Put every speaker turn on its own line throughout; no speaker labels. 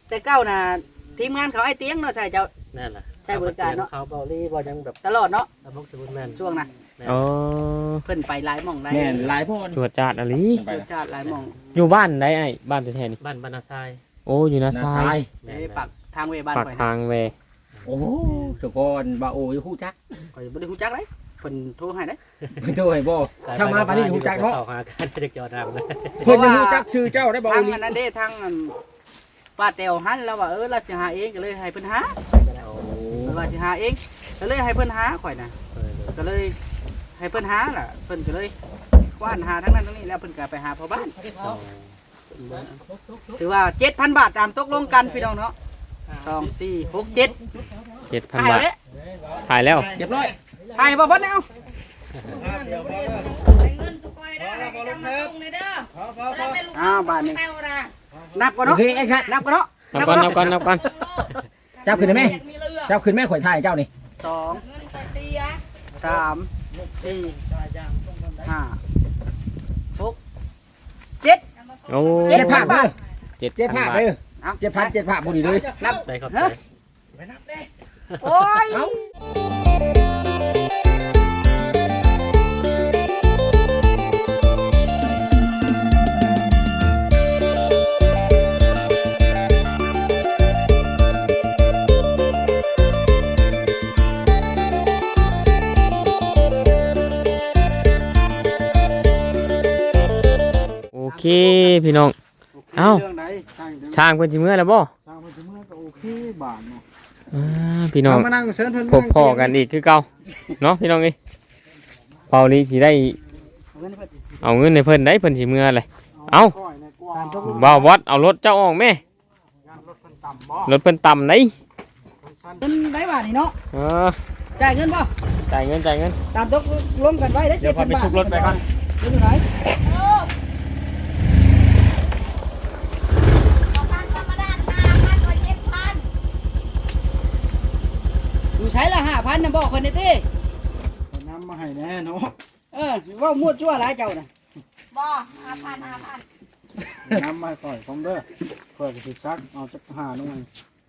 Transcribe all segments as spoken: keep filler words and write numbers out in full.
แต่เก้าน่ะทีมงานเขาไอ้เตียงเนาะใช่เจ้า
นั่นแหละ
ใช่บริการเนาะ
เขาเบาลี่บ่ยังแบบ
ตลอดเนาะ
สมุกสมุนแมน
ช่วงน่ะ
อ๋อ
เพิ่นไปหลายหม่องได้
แม่นหลายพ่น
จวดจาดอะลี
เพิ่นจาดหลายหม่อง
อยู่บ้านได้ไอ้บ้านแท้ๆนี่
บ้านบรรณาทราย
โอ้อยู่นาซาย
เอ้ปักทางเวบ้าน
ปาก
ข่อย
ทางเว
โอ้สุกรบาโออยู่ฮู้จัก
ข่อยบ่ได้ฮู้จักเลยเพิ่นโทรให้เด้
เพิ่นโทรให้บ่ถ้ามาปานนี้ฮู้จักเนาะ
เข้าหากันจะจอดรำเลย
เพิ่นฮู้จักชื่อเจ้าได้บ่
ทาง
ลี
อันนั้นเด้ทางอันป้าแตวหันแล้วว่าเออเราสิหาเองก็เลยให้เพิ่นหาเพิ่นว่าสิหาเองก็เลยให้เพิ่นหาข่อยน่ะก็เลยให้เพิ่นหาล่ะเพิ่นก็เลยกว้านหาทั้งนั้นทั้งนี้แล้วเพิ่นก็ไปหาพ่อบ้านถือว่า เจ็ดพัน บาทตามตกลงกันพี่น้องเนาะสอง สี่ หก เจ็ด
เจ็ดพันบาทถ่ายแล้ว
เรียบร้อย
ถ่ายบ่เบิดแล้ว
ได้เงินสุกอยได้ได้กำมาส่งเลยเด้อแล้วเป็นลูก
อ้าวบาทนี้
เต้านะ
นับก่อน
โอ
เนาะ
เคไอ้ชัด
นับก่อนเนาะ
นับก่อนนับก่อนนับก่อน
จับขึ้นได้ไหม
อยากมีเรือ
จับขึ้นแม่ข่อยถ่ายเจ้านี่
สอง
เงินใส่เสีย
สาม สี่ห้าหกเจ็ด
โอ้
เจ็ดภาพเด้อ
เจ็ด
เจ็ด
พั
ภาน พ
บาท
เด้อ
เอา
เจ็ดพันเจ็ดภาพบ่ดีเลย
นับ
ใช่ครับ
ฮะโอ้ย
โอเคพี่น้องเอ้าช่างเพิ่นสิเมื่อแล้วบ่
สร้างมันจะเมื่อก็โอเคบาทเนาะ
อ่าพี่น้อง
มานั่งเชิญเพิ่น
พบพ่อกันอีกคือเก่าเนาะพี่น้องเอ้ยเปานี้สิได้เอาเงินให้เพิ่นได้เพิ่นสิเมื่อเลยเอ้า
ก้อยในกว้าง
บ่าววัดเอารถเจ้าออกแม่
งานรถเพิ่นต่ำบ่
รถเพิ่นต่ำไหน
เงินได้บาทนี่เนาะ
เออ
จ่ายเงินป่ะ
จ่ายเงินจ่ายเงิน
ตามตกลงกันไว้ได้
เดี๋
เจ็
ย
ด
วพอ
พัน
ไป
บาท
ชุบรถไปก่อน
เดี๋ยวอยู่ไหน
เอาตังค์ธรรมดาห้าพันกว่าเจ็ดพัน
อยู่ใช้ละห้าพันนะบอกคนนี้ติ
เอาน้ำมาให้แน่เนาะ
เออเว่ามั่วชั่วหลายเจ้าน่ะ
บ่ห้าพันห้าพัน
น้ำมาให้ก่อยผมเด้อก่อยก็สิซักเอาจักหาหน่อย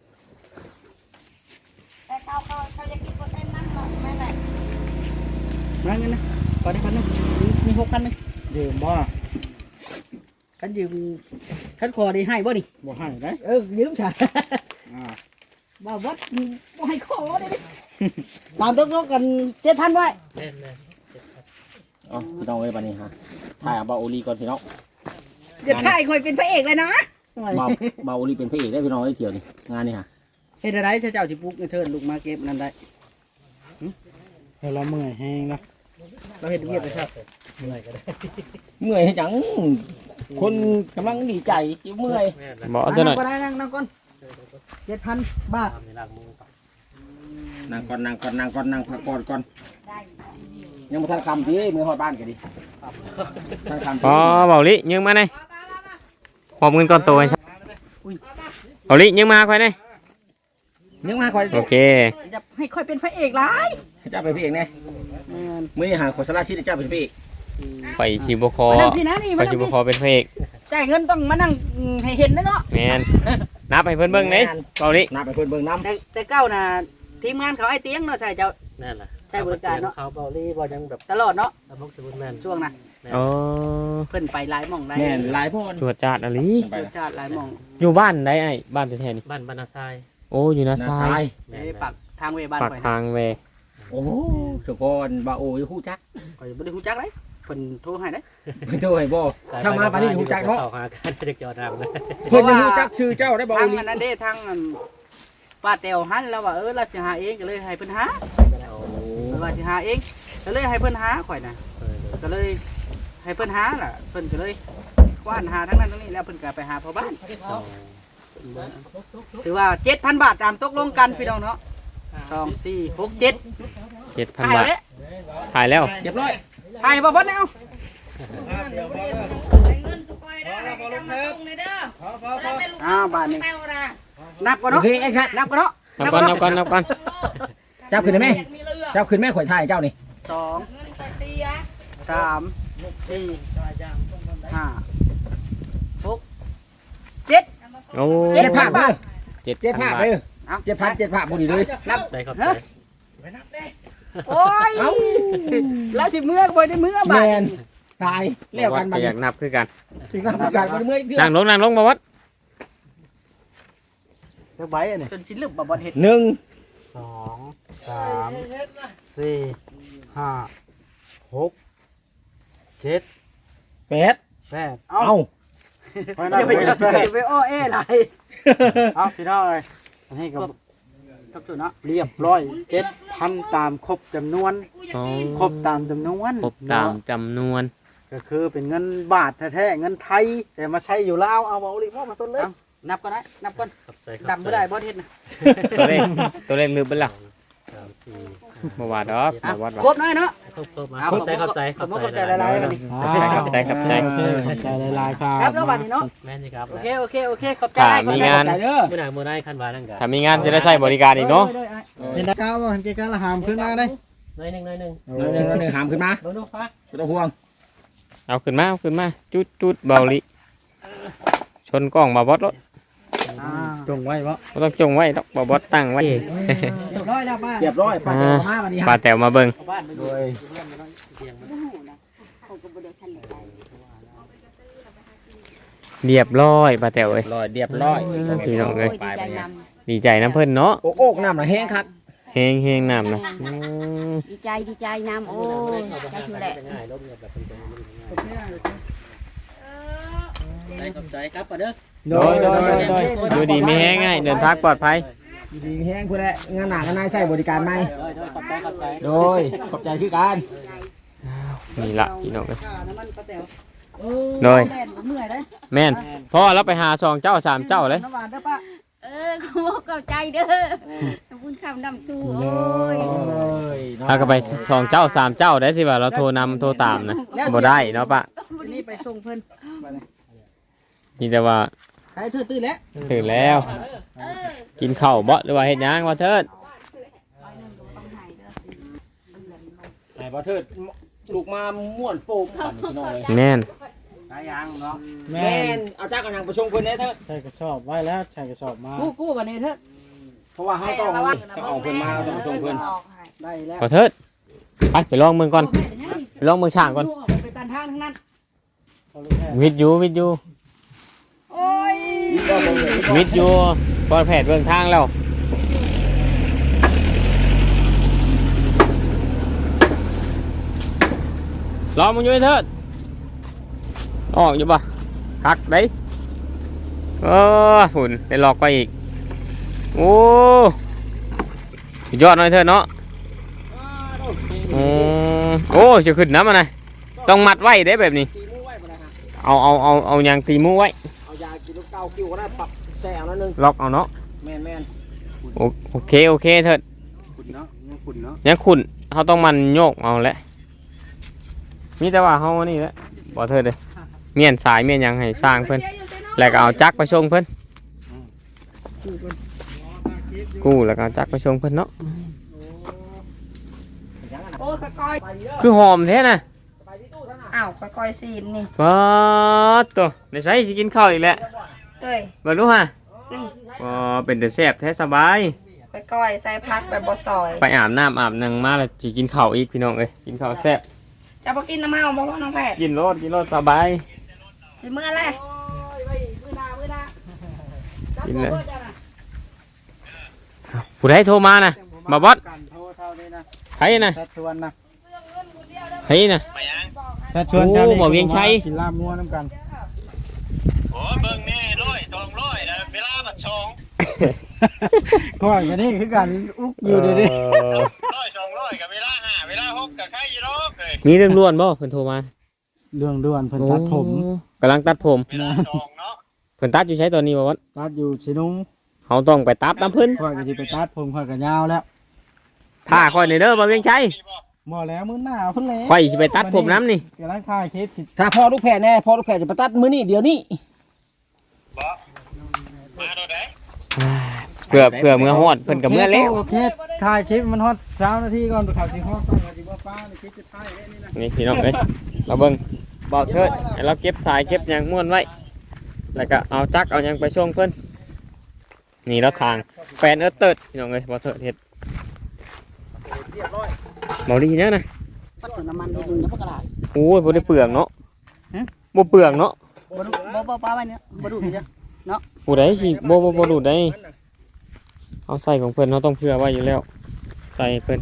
แต่เขาเขาเขาจะกินเปอร์เซ็นต์นั่นหรอไม่ไหน
มาเงินนะขอได้พันหนึงมีมีหกพันหนึง
ยืมบ่
คันยืมคันขอได้ให้บ่นี่
บ่ให้ได้
เออยืมใช่
อ่า
บ่วัดบ่ให้ขอได้ดิตามตกลงกันเจ็ดพันไว้
แน่นเลย
เอ๋อพี่น้องเอ้ยบัดนี้ฮะถ่ายเอาบาโอลีก่อนพี่น้อง
อย่าถ่ายคอยเป็นพระเอกเลยนะ
บาบาโอลีเป็นพระเอกได้พี่น้องเอ้ยเที่ยวนี่งานนี่ฮะ
เฮ็ดอะไรถ้าเจ้าสิปลุกในเทินลูกมาเก็บนั่นได้
เฮ้ยเราเมื่อยแห้งนะ
เราเฮ็ดเวียกไปครับ
เมื่อยก็ได้
เมื่อยจังคนกำลังดีใจอยู่เมื่อย
แม่นเลย
บ่เอาตัวหน่
นั่
อง ย
ก็ได้นั่งนั่งก่อนเจ็ดพันบาท
ทำในร่างมือก่อน
นั่งก่อนนั่งก่อนนั่งก่อนนั่งพักก่อนก่อนยังบ่ทันคำที่มือฮอดบ้านกันดิทันคำ
อ๋อเบาลิยิงมาหน่อยหอบเงินก้อนโตให้ฉันเบาลิยิงมาค่อยหน่อย
ยังมาก่อน
โอเค
จะให้ค่อยเป็นพระเอกหลาย
เจ้าเป็นพระเอกแน่
แม่น
มื้อนี้หาคนสลาชีพเจ้าเป็นพระเอก
ไปชิบคอ
มานั่งพี่นะนี่
ไป
มานั่
ชิ
ง
บ
พี่
คอเป็นพระเอก
จ่ายเงินต้องมานั่งอืมให้เห็นนะเนาะ
แมนนับให้เพิ่นเบิ่งนี่เบาลิ
นับไปเพิ่นเบิ่งน้ำ
แต่แต่เก้าน่ะทีมงานเขาไอ้เตียงเนาะใช่เจ้า
นั่นแหละ
ใช่บริการเนาะ
เขาเบาลี่บ่ยังแบบ
ตลอดเนาะ
สมุกสมุนแมน
ช่วงน่ะ
อ๋อ
เพิ่นไปหลายหม่องได้
แม่นหลายพ่น
จวดจาดอะลี
ไป
รสชาติหลายหม่อง
อยู่บ้านได้ไอ้บ้านแท้ๆนี่
บ้านบรรณาทราย
โอ้อยู่นา
นา
ซา
ซาย ย
แม่
เอ้
น
ปักทางเวบ้าน
ปาก
ข่อย
ทางเว
โอ้สุกรบาโออยู่ฮู้จัก
ข่อยบ่ได้ฮู้จักเลยเพิ่นโทรให้เด้
เพิ่นโทรให้บ่ถ้ามาปานนี้ฮู้จักเนาะ
เข้าหากันจะจอดรำเลย
เพิ่นฮู้จักชื่อเจ้าได้บา
ทา
โอง ลี
อันนั้นเด้ทางอันป้าแตวหันแล้วว่าเออเราสิหาเองก็เลยให้เพิ่นหาเพิ่นว่าสิหาเองก็เลยให้เพิ่นหาข่อยน่ะก็เลยให้เพิ่นหาล่ะเพิ่นก็เลยกว้านหาทั้งนั้นทั้งนี้แล้วเพิ่นก็ไปหาพ่อบ้านถือว่า เจ็ดพัน บาทตามตกลงกันพี่น้องเนาะสอง สี่ หก เจ็ด
เจ็ดพัน
ถ่าย
บาท
เด้
ถ่ายแล้ว
เรียบร้อย
ถ่ายบ่บ่แล้ว
ได้เงินสุกอยได้ได้กำมาส่งเลยเด้อแล้วเป็นลูก
อ้าวบาทนี้
เต้านะ
นับก่อน
โอ
เนาะ
เคไอ้ชัด
นับก่อนเนาะ
นับก่อนนับก่อนนับก่อน
จับขึ้นได้ไหม
อยากมีเรือ
จับขึ้นแม่ข่อยถ่ายเจ้านี่
สอง
เงินใส่เสีย
สาม สี่ ห้า หก เจ็ด
โอ้
เจ็ดพันบาท
เ
จ็ด
เจ็ด
พั
ภาน พ
บา
เล
ท
ยเจ็ดพันเจ็ดภาพพอดีเลย
นับ
ใจขอบใจ
โอ้ยแล้วสิเมื่อบ่ได้เมื่อ
แม
บ่าย
นตายเรียกกัน
บ่
มา
อยากนับคือกัน
ถึงนับกันมาเมื่อยเดือ
นั่งลงนั่งลงบ่วัด
จักใบอันนี้
จนสิลืมบ่บ่เฮ็ด
หนึ่ง
สองสามสี่ห้าหกเจ็ด
แปด
แปด
เอ้า
เอ้าไปนับ
อย่าไป
ไป
อย่า
แปด
ไปอ้อแอ้หลาย
เอาพี่น้องเลยอันนี้ก็
ครับจุเนาะ
เรียบร้อยเจ็ดพันตามครบจำนวน
อ๋อ
ครบตามจำนวน
ครบตามจำนวน
ก็คือเป็นเงินบาทแท้ๆเงินไทย แต่มาใช้อยู่ลาวเอาเอาลิมอมาต้นเลย
นับก่อนนะนับก่อน
ขอบใจขอบใจ
ดำบ่ได้บ่เฮ็ดนะ
ตัวเลขตัวเลขลืมไปและ
สามสี่
บ่ว่าดอกบ่วัด
คร
ว่า
บน้อยเนาะ
ครบครบมา
เอา
ขอบใจขอบใจ
ขอบใจหลายๆบัดนี้
ครับใจครับใจ
โอเคขอบใจหลายๆครับ
ครับแล้วบัดนี้เนาะ
แม่นสิครับ
โอเคโอเคโอเคขอบใจ
ถ้า
หลายขอบ
มี
ใจ
งาน
ใจเด้อ
มื้อหน้ามื้อหน้าคันว่านั่นก็
ถ้ามีงานจะได้ใช้บริการอีกเนาะ
เป็นดาวว่าเห็นเกการละหามขึ้นมาได้
หน่อยหนึงหน่อยหนึง
หนึ่งหนึ่งหนึ่งหามขึ้นมา
โดนฟ้า
ไม่ต้องห่วง
เอาขึ้นมาเอาขึ้นมาจุดจุดเบาลิชนกล้องบ่บอสรถ
จงไว้เพราะ
บ่ต้องจงไว้ดอกบ่บอสตั้งไว้
เรียบร้อยแล้วป้า
เรียบร้อยปลาเจ้ามาวันนี้
ปลา
ฮะ
แต๋วมาเบิ่ง
เอาบ้านไป
โด
ดู
ย
เรียบร้อยปลาแต๋วเอ้ย
ร้อยเรียบร้อย
พี่น้องเอ้ย
ไปไปเนี่ย
ดีใจน้ำเพิ่นเนาะ
โอ้โอกน้ำน่ะแห้งคัก
เฮงเฮงน้ำนะอืม
ดีใจดีใจน้ำโอ้ยใจชูแหละ
ง่ายลบเนี่ยแบบเป็นง่ายใจขอบใจครับป้าเด้อ
โดยโดยโดยโดย
อยู่ดีมีแห้งง่ายเดินทางปลอดภัย
ดีแห้งเพื่อแหละงานหนักงานนายใส่บริการไหม
โดยโดยขอบใจขอบใจ
โดยขอบใจคือกัน
นี่ละพี่น้องเอ้ย
ข้าวน้ำมันป้าแต๋ว
โดย
แล่นบ่เมื่อยเด้อ
แม่นพ่อเราไปหาสองเจ้าสามเจ้าเลย
น้ำหวานเด้อป้า
เออขโมยเข้าใจเด้อขอบคุณคำดำชูโอ้ย
ถ้าก็ไปสองเจ้าสามเจ้าได้สิว่าเราโทรนำโทรตามนะบ่ได้เนาะปะ
วันนี้ไปส่งเพิ่น
มีแต่ว่า
ใครถือตื้อแล้ว
ถึงแล้ว กินข้าวบ่หรือว่าเฮ็ดหยังว่าเถิด
ไหนบ่เถิดลูกมาม่วนโป่งปั่นพี่น้องเลย
แม่น
หลายอย่างเนาะ
แม่
แม่นเอาจ้ากันยังประชงเพิ่นได้เถิด
ใส่กระสอบไว้แล้วใส่กระสอบมา
กู้กู้บัดนี้เถิด
เพราะว่าเฮาต้องต้องเอาเพิ่นมาต้องประชงเพิ่น
ได้แล้ว
ขอเถิดไปไปลองเมืองก่อนไปลองเมืองช่างก่อน
ไปตันทางทั้งนั้น
วิทยูวิทยู
โอ้ย
วิทยูบอลแผดเบื้องทางแล้วลองมึงอยู่ให้เถิดออกอยู่ปะคักđấy เออฝุ่นได้หลอกไปอีกโอ้สุดยอดหน่อยเถิดเนาะอืมโอ้จะขึ้นน้ำมาหน่อยต้องมัดไว้ได้แบบนี้
ตีมือไว้บ่ได้ฮะ
เอาเอาเอาเอายางตีมือไว้
เอายากินลูกเก้าคิวก็ได้ปรับแซ่เอานั่นนึง
ล็อกเอาเนาะ
แม่นแม่น
โอโอเคโอเคเถิด
ขุนเนาะยังขุนเนาะ
ยังขุนเขาต้องมันโยกเอาแหละมีแต่ว่าเขานี่แหละบอกเถิดเลยเมียนสายเมียนหยังให้สร้างเพิ่นแล้วก็เอาจักรไปชงเพิ่นกู้แล้วก็เอาจักรไปชงเพิ่นเนาะ
โอ้ยกอย
คือหอมแท้น่ะ
อ้าวกอยซีนนี่
ว้าตัวในใช้สิกินข้าวอีกแล้ว
เอ้ย
เบิ่งดูฮะ
นี่
อ๋อเป็นแต่แซ่บแท้สบาย
ไปกอยใส่พักแบบบ่ซอย
ไปอาบน้ำอาบนังมาแล้วสิกินข้าวอีกพี่น้องเอ้ยกินข้าวแซ่บ
จะบ่กินน้ำเมาบ่ว่าน้องแพทย์
กินโลดกินโลดสบาย
สิมื้อแรก
มือหน้ามือหน้า
กินเลยผู้ใดโทรมาน่ะมาบอส
กันโทรเท่านี้นะ
ใครน่ะ
ชัดชวนนะ
ใครน่ะ
ชัดชวน
โอ้
เจ้านี่
หมอเวียงชัย
กินลาบงัวน้ำกัน
โอ้เบิ่งแน่ร้อยสองร้อยนะเวลาบัดชอง
ก่อนกันนี่คือกันอุกอยู่เดี๋ยวนี้
ร้อยสองร้อยกับเวลาห้าเวลาหกกับใครอยู่รอกเลย
มีเรื่องล้วนบ่เพิ่นโทรมา
เรื่องด่วนเพิ่นตัดผม
โอ้กำลังตัดผม
เวลาสองเนาะ
เพิ่นตัดอยู่ใช้ตอนนี้บ่วะ
ตัดอยู่ชินุง
เฮาต้องไปตัดน้ำเพิ่น
ค่อยก็สิไปตัดผมค่อยก็ยาวแล้ว
ถ้าค่อยนี่เด้อบ่เวียงชัย
พี่บอก
บ่แล้วมื้อหน้าเพิ่นแล้ว
ค่อยสิไปตัดผมน้ำนี่
กำลังถ่ายคลิปสิ
ถ้าพ่อลูกแพรแน่พ่อลูกแพรจะไปตัดมื้อนี้เดี๋ยวนี้
บอกมาโดดไหน
เพื่อเพื่อเมื่อฮอดเพิ่นก็เมื่อแล้ว
โอเคถ่ายคลิปมันฮอดเช้านาทีก่อนข่าวสิฮอดก่อนว่าสิบ่ฟ้าในคลิปจะถ่ายได้นี่นะ
นี่พี่น้องเอ้ยเราเบิ่งเบาเถิดให้เราเก็บสายเก็บหยังม้วนไว้แล้วก็เอาจักรเอาหยังไปส่งเพิ่นนี่แล้วทางแฟนเอิร์ธเติร์ดพี่น้องเลยบอเทิร์ดเฮ็ด
เรียบร้อย
บอดีเนี่ยนะ
ปัดถึงน้ำมันนิดนึงแล้วพวกกระดาษ
โอ้ยบ่ได้เปลืองเนาะ
ฮะ
บ่เปลืองเนาะ
บ่ดูบ่บ่ป้าไว้เนี่ยบ่ดูนี่จ้ะ
ผู้ใดสิบ่บ่บ่ดูดได้เอาใส่ของเพิ่นเราต้องเผื่อไว้อยู่แล้วใส่เพิ่น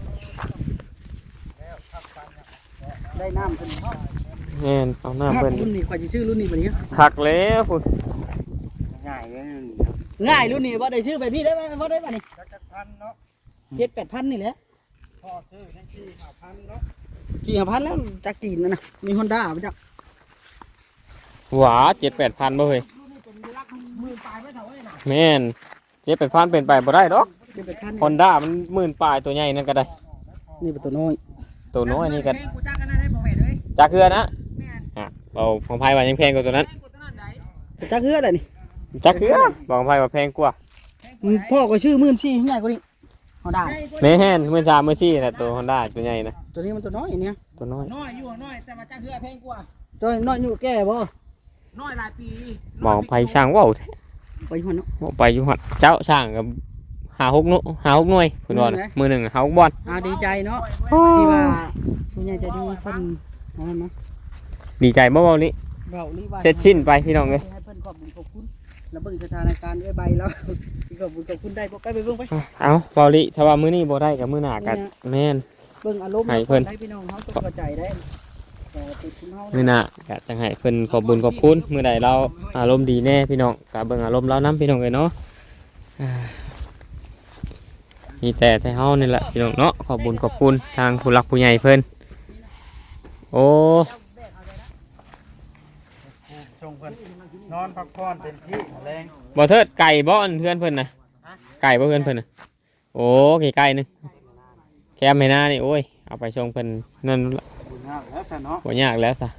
ได้น้ำเพิ่นเนาะ
แม่นเอาหน้าเพิ่น
รุ่นนี้กว่าจะชื่อรุ่นนี้บัดนี้
คักแล้วพุ่น
ง่ายเลย
ง่ายรุ่นนี้บ่ได้ชื่อแบบนี้ได้บ่บ่ได้บ่นี่
จักพันเนาะ
เจ็ดแปดพันนี่แหละ
พ่อซื้อทั้งสี่ห้าพันเนาะ
สี่ห้าพันแล้วจากจีนนั่นน่ะมี Honda บ่จัก
หวาเจ็ดแปดพันบ่เฮ้ย
มือปลายไว้เท่าไว้น่ะ
แม่นเจ็ดแปดพันเป็นไปบ่ได้ดอก
เจ็ดแปดพัน
ฮอนด้ามันหมื่นปลายตัวใหญ่นั่นก็ได้
นี่เป็นตัวน้อย
ตัวน้อยนี่ก็
กูจักกันได้บ่แม่นเอ้ย
จักเคือนะ
แม่น
อ่ะเอาของไพ่ว่ายังแพงกว่าตัวนั้น
กูตัวนั้นได้จักเฮือได้นี่
จักเคือบอกของไพ่ว่าแพงกว่า
อืมพ่อก็ชื่อหมื่นสี่ใหญ่กว่านี้ Honda
แม่นเมื่อชามเมื่อชี้นะตัวฮอนด้าตัวใหญ่นะ
ตัวนี้มันตัวน้อยเนี่ย
ตัวน้อย
น้อยอยู่น้อยแต่มาจักเฮือแพงกว่า
ตัวน้อยอยู่แก่บ่
น้อยหลายปี
บอกของไพ่ช่างว่าวแท้
ไปหัวเนาะ
บอกไปอยู่หัดเจ้าช่างกับหาหกนุหาหกหน่วยคุณบอล
มือไหน
มือหนึ่งหาหกบอล
อ่าดีใจเนาะที่ว่าผู้ใหญ่ใจดีเพิ่นเอามันมา
ดีใจบ่เบาลิ
เว้าลีว่า
เสร็จชิ้นไปพี่น้องเลย
ให้เพิ่นขอบคุญขอบคุณแล้วเบิ่งสถานการณ์ด้วยใบแล้วสิขอบคุญขอบคุณได้บ่ไปไปเบิ่งไป
เอาเบาลิถ้าว่ามื้อนี้บ่ได้กับมื้อหน้ากันแม่น
เบิ่งอารมณ์
ให้เพิ่น
ได้พี่น้องเฮาต้องเข้าใจได้แต่ติดคุณเฮา
มื้อหน้าก็จังให้เพิ่นขอบบุญขอบคุณมื้อใดเราอารมณ์ดีแน่พี่น้องก็เบิ่งอารมณ์เรานํพี่น้องเลยเนาะอ่ามีแต่ให้เฮานี่แหละพี่น้องเนาะขอบบุญขอบคุณทางผู้หลักผู้ใหญ่เพิ่นโอ้
ชงเพิ่นนอนพักผ่อนเต็มที่แรง
บ่เทิดไก่บ่อันเพื่อนเพิ่นน่ะไก่บ่เพื่อนเพิ่นน่ะโอ้ไก่ไก่นึงแคมให้หน้านี่โอ้ยเอาไปส่งเพิ่นนั่นละ
บุญงามแล้วซะเนาะ
บ่ยากแล้วซะ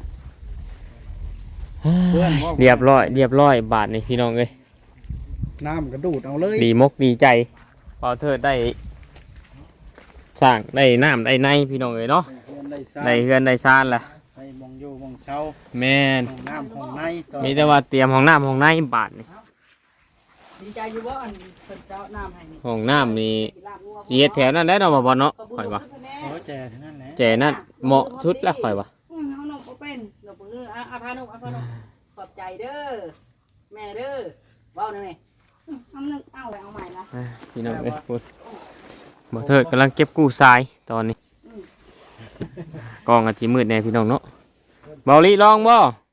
เพื่อนบ่
เรียบร้อยเรียบร้อยบาทนี่พี่น้องเอ้ย
น้ำกระดูดเอาเลย
ดีมกดีใจพอเทิดได้สร้างได้น้ำได้ในพี่น้องเอ้ยเนาะ
เพื่อนได้ซ่า
ได้เฮือนได้ซานล่ะ
ได้มองอยู่มองเช้า
แม่น
ห้องน้ำห้องในต่อ
มีแต่ว่าเตรียมห้องน้ำห้องในบาทนี่
ดีใจอยู่บ่อันเพิ่นเจ้าน้ำให้นี่
ห้องน้ำนี่สิเฮ็ดแถวนั้นได้เนาะบ่บ่เนาะข่อยว่า
โอ้แจทั้งนั้นแหละ
แจนั่นเหมาะชุดละข่อยว่า
อืมเอาหนมบ่เป็น
เราเพิ่นอ่ะอ่ะพานุอ่ะพานุขอบใจเด้อแม่เด้อเว้าหน่อยแม่
อืมเอาหนึ่งเอาไว้เอาใหม่ละ
อ่าพี่น้องเอ้ยพูดบ่เทิดกำลังเก็บกู้ทรายตอนนี้กองอาจีมืดแน่พี่น้องเนาะเบาลีลองบ่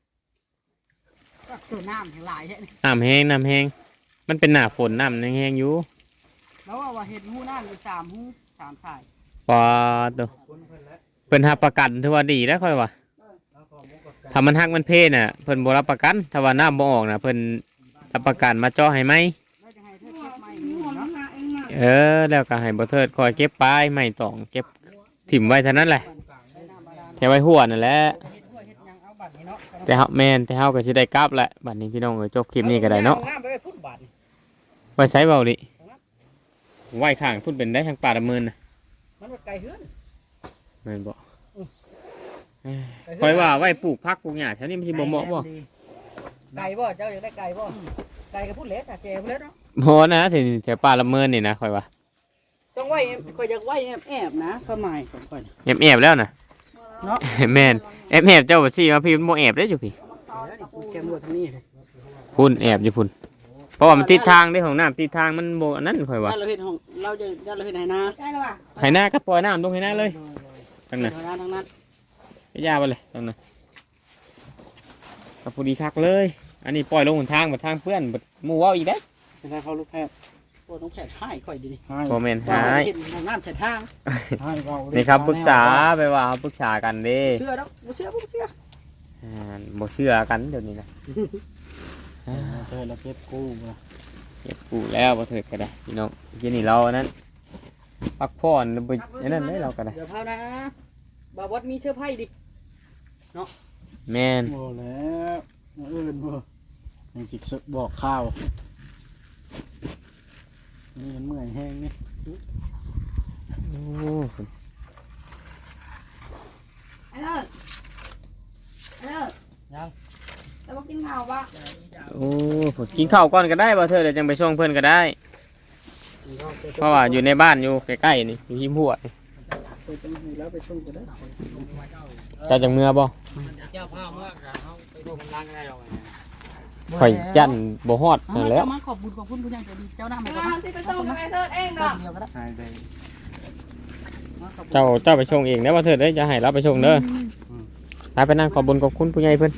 ตัวน้ำทั้งหลายแท้นี่
น้ำแห้งน้ำแห้งมันเป็นหน้าฝนน้ำแห้งๆอยู่
แล้วว่าว่าเฮ็ดหู้น้ำอยู่สามหู้สามสาย
ปอตัวเพิ่นรับประกันถือว่าดีแล้วค่อยว่าถ้ามันหักมันเพน่ะเพิ่นบ่รับประกันถ้าว่าน้ำบ่ออกน่ะเพิ่นรับประกันมาเจาะให้ไหม
แล้วจะให้เธอเก็บไม้
หั
นี่
วมั
เนาะ
นหาเองมา
เออแล้วก็ให้บ่เทิดคอยเก็บปลายไม้ตองเก็บถิ่มไว้เท่านั้นแหละ
ได้น้ำบาดาล
แค่ไว้หัวนั่นแหละ
เฮ็ดห้วยเฮ็ดหยังเอาบัดนี้เนาะ
แต่เฮาแม่นแต่เฮาก็สิได้กลับแหละบัดนี้พี่น้องเอ้ยจบคลิปนี้ก็ได้เนาะ
อน้ำไปไว้พุ่นบาดนี่
ไว้ใช้เบาดิไว้ข้างพุ่นเป็นได้ทางป่าดำเนินน่ะ
มันว่าไกลเฮือน
แม่นบ่คอยว่าไว้ปลูกผักปลูกหญ้าแถวนี้มันสิบ่เหมาะบ่
ไก่บ่เจ้าอยากได้ไก่บ่ไก่ก็พูดเล็ดอ่ะแกพูดเล็ดเนาะ
บ่นะถึงแถวป่าดำเนินนี่นะคอยว่า
ต้องไว้ข่อยอยากไว้แอบๆนะความหมายของข่อยน่ะ
แอบๆแล้วน่ะ
เนาะ
แม่นแอบๆเจ้าบ่ซี่มาพี่มันบ่แอบได้อยู่พี่
แล้วนี่แกมรวดทางนี้เลย
พุ่นแอบอยู่พุ่นเพราะว่ามันติดทางเด้ของน้ำติดทางมันบ่อันนั้นคอยว่า
ถ้าเราเฮ็ดของเราจะถ้าเราเฮ็ดไหนา
ใช่แล้วว่ะ
ให้หน้าก็ปล่อยน้ำลงให้หน้าเลยทางนั้น
ไหนาทางนั้น
ไปย่าไปเลยทางนั้นก็พอดีคักเลย อันนี้ปล่อยลงหนทางบัดทางเพื่อนบัดหมู่เว้าอีกเด้
เป็นถ้าเขาลูกแพทย์
โอ้ต้องแผดให้ข่อยดีนี่
ให้
บ่แม่น
ว่า
หาย
เฮ็ดของน้ำใส่ทาง
ให้เว้าเลย
นี่ครับปรึกษาไปว่าเขาปรึกษากันเด้
เชื่อดอกบ่เชื่อบ่เชื่อ
อ่าบ่เชื่อกันเดี๋ยวนี้นะ
เธอแล้วเก็บกู้มา
เก็บกูแล้วบ่เถิดก็ได้พี่น้องทีนี้เรานั้นพักผ่อนบ่อันนั้นได้เราก็ได้
เดี๋ยวพานะบ่าววัดมีเชื่อไพ่ดิ
แม่น
โอ้แล้วมาเอื่นบ่ยังจิกสึกบอกข้าวนี่มันเมื่อยแห้งนี่
โอ้
ไอ้เลิศไอ้เลิศ
ยัง
แล้วมากินข้าวปะ
โอ้กินข้าวก่อนก็ได้บ่เถิดเดี๋ยวจังไปส่งเพิ่นก็ได้เพราะว่าอยู่ในบ้านอยู่ใกล้ๆนี่อยู่หิมหัวนี่
ไปจังให้แล้วไปส่งก็ได้
เจ้าจังเมื่อบ่
เจ้าพ่อเมื่อเขาไปดูมันล้างได้หรอก
ข่อยยันบ่ฮอด
เอา
นั่นแห
แล้
ล้ว ว
มาขอบคุณขอบคุณผู้ใหญ่ใจดีเจ้าหน้าไม่
มา
ต้อง
ที่ไปส่งกับไอ้เธอเองดอก
เดียวก็ได้
ให้ได้
มาขอบคุณ
เจ้าเจ้าไปชงเองเด้อว่าเถิดเด้อจะให้เราไปชงเด้อไปไปนั่งขอบคุญขอบคุณผู้ใหญ่เพิ่น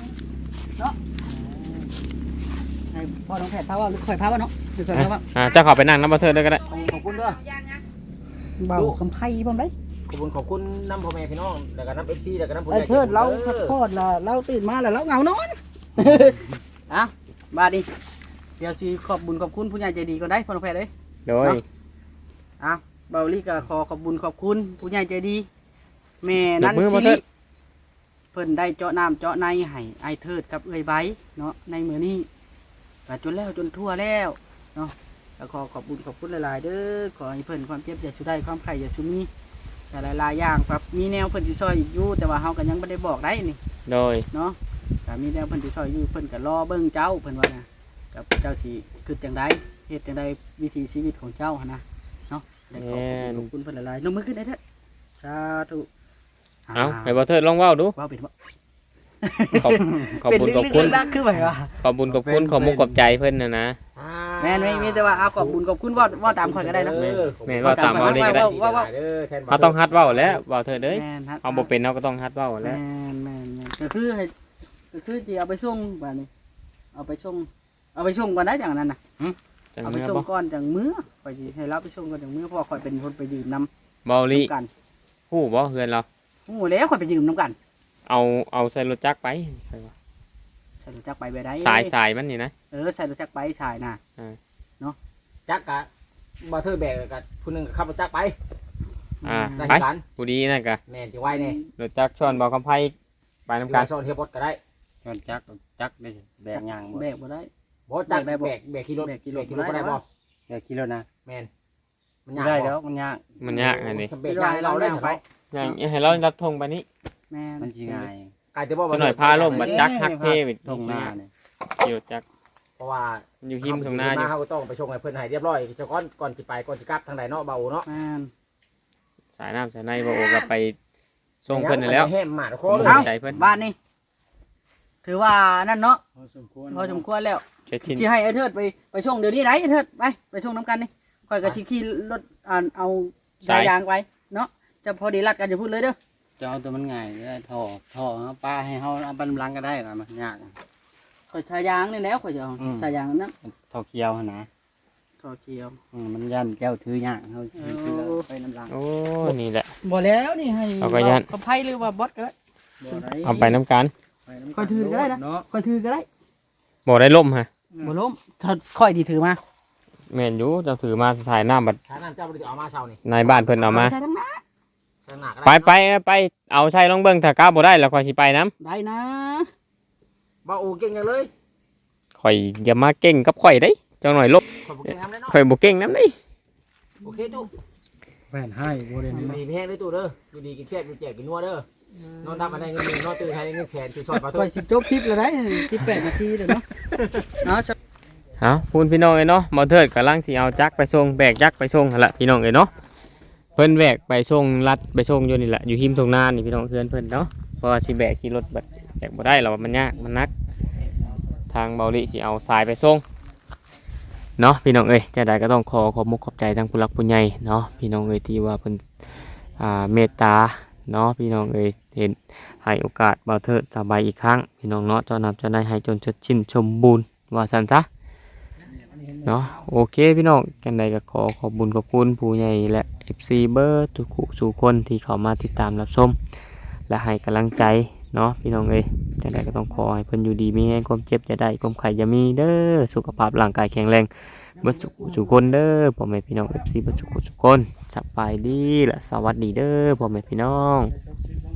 ให้พ่อน้องแพทย์พาว่าหรือข่อยพาว่าเนาะหรือข่อย
อ่ะ
พาว่า
อ่าเจ้าเขอไปนั่งน้ำบ่เถิดเด้อก็ได้
ขอบคุณด้วย
เบาคำไพ่พร้อมได้
ขอบคุณขอบคุณน้ำพ่อแม่พี่น้องแล้วก็น้ำเอฟซีแล้วก็น้ำผู้ให
ไอ้
ญ่
เทิดเราพักผ่อนละเราตื่นมาแล้วเราเหงานอน อ่ะบาดนีเดี๋ยวสิขอบบุญขอบคุณผู้ใหญ่ใจดีก็ได้พ่อน้องแพทย์เลย
โดย
อ่ะเบาลี่ก็ขอขอบบุญขอบคุณผู้ใหญ่ใจดีแม่
ย
นั
ก
น
มือ
ชิ
บ่เถิ
ลิ
ด
เพิ่นได้เจาะน้ำเจาะในให้ไอ้เทิดกับเอ้ยไบเนาะในมือนี้ก็จนแล้วจนทั่วแล้วเนาะแล้วขอขอบบุญขอบคุณหลายๆเด้อขอให้เพิ่นความเจ็บอย่าชุได้ความไข่อย่าชุมีแต่หลายๆอย่างครับมีแนวเพิ่นสิซอยอีกอยู่แต่ว่าเฮาก็ยังบ่ได้บอกได้นี่
โดย
เนาะก็มีแนวเพิ่นสิซอยอยู่เพิ่นก็รอเบิ่งเจ้าเพิ่นว่านะกับเจ้าสิคือจังไดเฮ็ดจังไดวิถีชีวิตของเจ้าหั่นนะเนาะได้ขอบคุณขอบคุณเพิ่นหลายๆลงมือขึ้นได้เด้อสาธุ
เอาให้บ่เถิดลองเว้าดู
ว้าวเป็นบ่
ขอบขอบบุญขอบคุณ
เป็นเรื่องดักคือไผวะ
ขอบบุญขอบคุณขอมุกขอบใจเพิ่นน่ะนะ
แม่นไม่มีแต่ว่าเอาขอบบุญขอบคุณว่าว่าตามข่อยก็ได้นะ
แม่นว่าตามเอาได้ก็ได้
ว่าว่า
เราต้องฮัดเว้าแล้วเว้าเถิดเด้ย
แม่นฮะ
เอาบ่เป็นเราก็ต้องฮัดเว้า
แม่
แล้ว
นแม่นแม่นก็คือให้ก็คือสิเอาไปส่งบัดนี้เอาไปส่งเอาไปส่งก่อนนะอย่างนั้นน่ะ
จัง
เอาไป
เมื่อ
ส่ง
บ่
ก่อนจังมื้อข่อยสิให้รับไปส่งก่อนจังมื้อเพราะว่าข่อยเป็นคนไปยืมน้ำ
เบาลิ
กัน
ฮู้บ่เฮือนเรา
โอ้โหแล้วข่อยไปยืมน้ำกัน
เอาเอาใส่รถจักรไปใส่ว่า
ใส่รถจักรไปไปได้
สายสายมันนี่นะ
เออใส่รถจักรไปชายน่ะ
จักกะบ่เธอแบกกับผู้หนึงขับรถจักรไป
อ่า
ได้
ไป
กัน
ผู้ดีนั่นก็
แม่นจะไว้เนี่ย
รถจักรชอนเบาคำไผไปนำ
กา
กั
ร
น
ซ่อนเทียบรถก็ได้
ย้อนจักจักได้สิแบกยางบ่
แบกบ่ได้
บ่จัก
ได้บ่
แบกแบกขี่รถ
แบกขี่รถ
ขี่รถก็ได้บ่
แบกกิโลนะ
แม่นมัน
ไม่
ยาก
ได้
บ่
แล้วมันยาก
มันยากอันนี้
แบกยางให้เราได้ไป
อย่างให้เรารับธงไปนี้
แม่น
มันสิง่าย
กลายจะบ่
จะหน่อยพาล่มบัดจักฮักเทวิ
ตรงหน้าเนี่ย
เกี่ยวจัก
เพราะว่า
มันอยู่หิมตรงหน้าอยู่
เฮาก็ต้องไปชงให้เพิ่นให้เรียบร้อยเจ้าก่อนก่อนสิไปก่อนสิกลับทางใดเนาะเบาเนาะ
แม่น
สายน้ำสายในบ่โอก็ไปส่งเพิ่นนั่นแหล้ว
แห้มหมาดโคเลย
เอ้า
เอ้า
ใจเพิ่น
บ้านนี้ถือว่านั่นเนาะ
พอสมควร
พอสมควรแล้ว
แค่ทิน
ที่ให้ไอ้เทิดไปไปส่งเดี๋ยวนี้ไหนไอ้เทิดไปไปส่งน้ำกันนี่ข่อยกับชิขี่รถอ่านเอาสายยางไปเนาะจะพอดีรัดกันจะพูดเลยเด้อ
จะเอาตัวมันง่ายได้ท่อท่อเอาป้าให้เฮาเอาบันลังก็ได้ล่ะมันยาก
ข่อยสายยางนี่แล้วข่อยจะเอา
อืม
สายยางนั้น
ท่อเคียวหั่นนะ
ต่อเขียว
อืมมันยันแก้วถือยากเฮาถือถือไปน้ำลัง
โอ้นี่แหละ
บ่แล้วนี่ให้
เอาก็ยัน
กับไพ่หรือว่าบอสก็ได้
เอาไปน้ำกัน
ข่อยถือก็ได้นะ
เนาะ
ข่อยถือก็ได้
บ่ได้ล่มฮะ
บ่ล้มถ้าข่อยดีถือมา
แม่นอยู่เจะถือมาสายน้ำบัด
ชาน้ำเจ้าบ่ได้เอามาเช้านี่
ในบ้านเพิ่นเอามา
ใช่ทั้งนั้น
สนาก
ไปไปไปเอาใช้ลองเบิ่งถ้ากล้าบ่ได้แล้วค่อยสิไปน้
ได้นะ
บ่โอเก่งจังเลย
ำข่อยอย่ามาเก่งกับข่อยเด้จังหน่อยลบ
ขอบคุณเก่งน้ำได้เนาะ
ข่อยบ่เก่งน้ำเด้
โอเคตู้
แว่นให้บ่ได้
ดี
นี่
แพงเลยตู้เด้อดูดีกินแช่ดูแจกกินนัวเด้อนอนดับมาได้เงินหมื่นนอนตื่นให้ได้เงินแสนที่ซอยปลา
ข่
ตู้
อยสิจบคลิปแล้วได้สิบแปดนาทีเด้อเนาะเนาะ
เอาพูนพี่น้องเอ้ยเนาะบ่เทิดกำลังสิเอาจักรไปส่งแบกจักรไปส่งหั่นล่ะพี่น้องเอ้ยเนาะเพิ่นแบกไปส่งลัดไปส่งอยู่นี่แหละอยู่หิมตรงนานี่พี่น้องเพื่อนเพิ่นเนาะเพราะว่าสิแบกขี่รถบัดแบกบ่ได้หรอกมันยากมันหนัก ทางเบาลิสิเอาทรายไปส่งเนาะพี่น้องเอ้ยจะได้ก็ต้องขอขอบมุกขอบใจทางผู้หลักผู้ใหญ่เนาะพี่น้องเอ้ยที่ว่าเพิ่นอ่าเมตตาเนาะพี่น้องเอ้ยเห็นให้โอกาสเบาเทิดสบายอีกครั้งพี่น้องเนาะเจ้านำเจ้านายให้จนชดชินสมบูรณ์ว่าซั่นซะเนาะโอเคพี่น้องกันใดก็ขอขอบบุญขอบคุณผู้ใหญ่และ เอฟ ซี เบอร์ทุกคู่สู่คนที่เข้ามาติดตามรับชมและให้กำลังใจเนาะพี่น้องเอ้ยจังใดก็ต้องขอให้เพิ่นอยู่ดีมีแรงความเจ็บจะได้ความไข้อย่ามีเด้อสุขภาพร่างกายแข็งแรงเบิดสุขสุขคนเด้อพ่อแม่พี่น้อง เอฟ ซี เบิดสุขสุขคนสบายดีและสวัสดีเด้อพ่อแม่พี่น้อง